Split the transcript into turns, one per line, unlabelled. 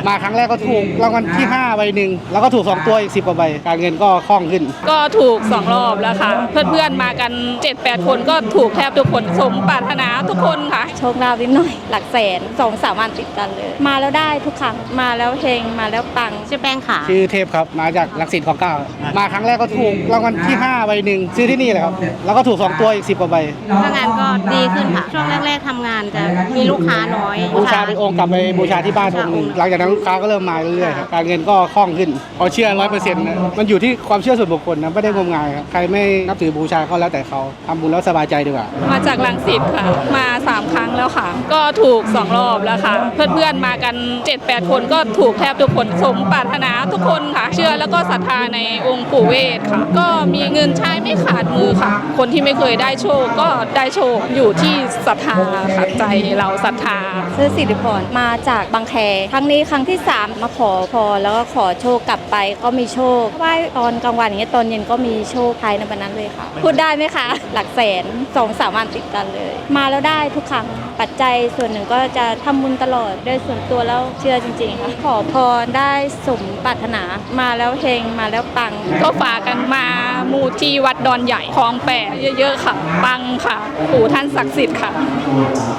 มาครั้งแรกก็ถูกรางวัลที่5ใบหนึ่งแล้วก็ถูก2ตัวอีก10กว่าใบการเงินก็คล่องขึ้น
ก็ถูก2รอบแล้วค่ะเพื่อนๆมากัน 7-8 คนก็ถูกแทบทุกคนสมปรารถนาทุกคนค่ะ
โชคลาภนิดหน่อยหลักแสน 2-3 วันติดกันเลยมาแล้วได้ทุกครั้งมาแล้วเฮงมาแล้วปัง
ชื่อแป้งค่ะ
ชื่อเทพครับมาจากรังสิตคลองเก้ามาครั้งแรกก็ถูกรางวัลที่5ใบหนึ่งซื้อที่นี่แหละครับแล้วก็ถูก2ตัวอีก10กว่าใบ
ทำงานก็ดีขึ้นค่ะช่วงแรกๆทำงานจะมีลูกค้าน้อย
บูชาเป็นองค์กลับไปบูชาที่บ้านองค์หนึ่งหลังจากนั้นลูกค้าก็เริ่มมาเรื่อยๆครับการเงินก็คล่องขึ้นพอเชื่อ100%นะมันอยู่ที่ความเชื่อส่วนบุคคลนะไม่ได้งมงายครับใครไม่นับถือบูชาก็แล้วแต่เขาทำบุญแล้วสบายใจดีกว่า
มาจากรังสิตค่ะมา3ครั้งแล้วค่ะก็ถูก2รอบแล้วค่ะเพื่อนๆมากัน 7-8 คนก็ถูกแทบทุกคนสมปรารถนาทุกคนค่ะเชื่อแล้วก็ศรัทธาในองค์ปู่เวทค่ะก็มีเงินใช้ไม่ขาดมือค่ะคนที่ไม่เคยได้โชคก็ได้โชคอยู่ที่ศรัทธาค่ะใจเราศรัทธา
ซื้อสิริพรมาจากบางแคครั้งนี้ครั้งที่3มาขอพรแล้วก็ขอโชคกลับไปก็มีโชคไหว้ตอนกลางวันอย่างเงี้ยตอนเย็นก็มีโชคภายในวันนั้นเลยค่ะพูดได้ไหมคะหลักแสน 2-3 วันติดกันเลยมาแล้วได้ทุกครั้งปัจจัยส่วนหนึ่งก็จะทำบุญตลอดโดยส่วนตัวแล้วเชื่อจริงๆค่ะขอพรได้สมปรารถนามาแล้วเฮงมาแล้วปัง
ก็ฝากกันมามูที่วัดดอนใหญ่คลอง8เยอะๆค่ะปังค่ะปู่ท่านศักดิ์สิทธิ์ค่ะ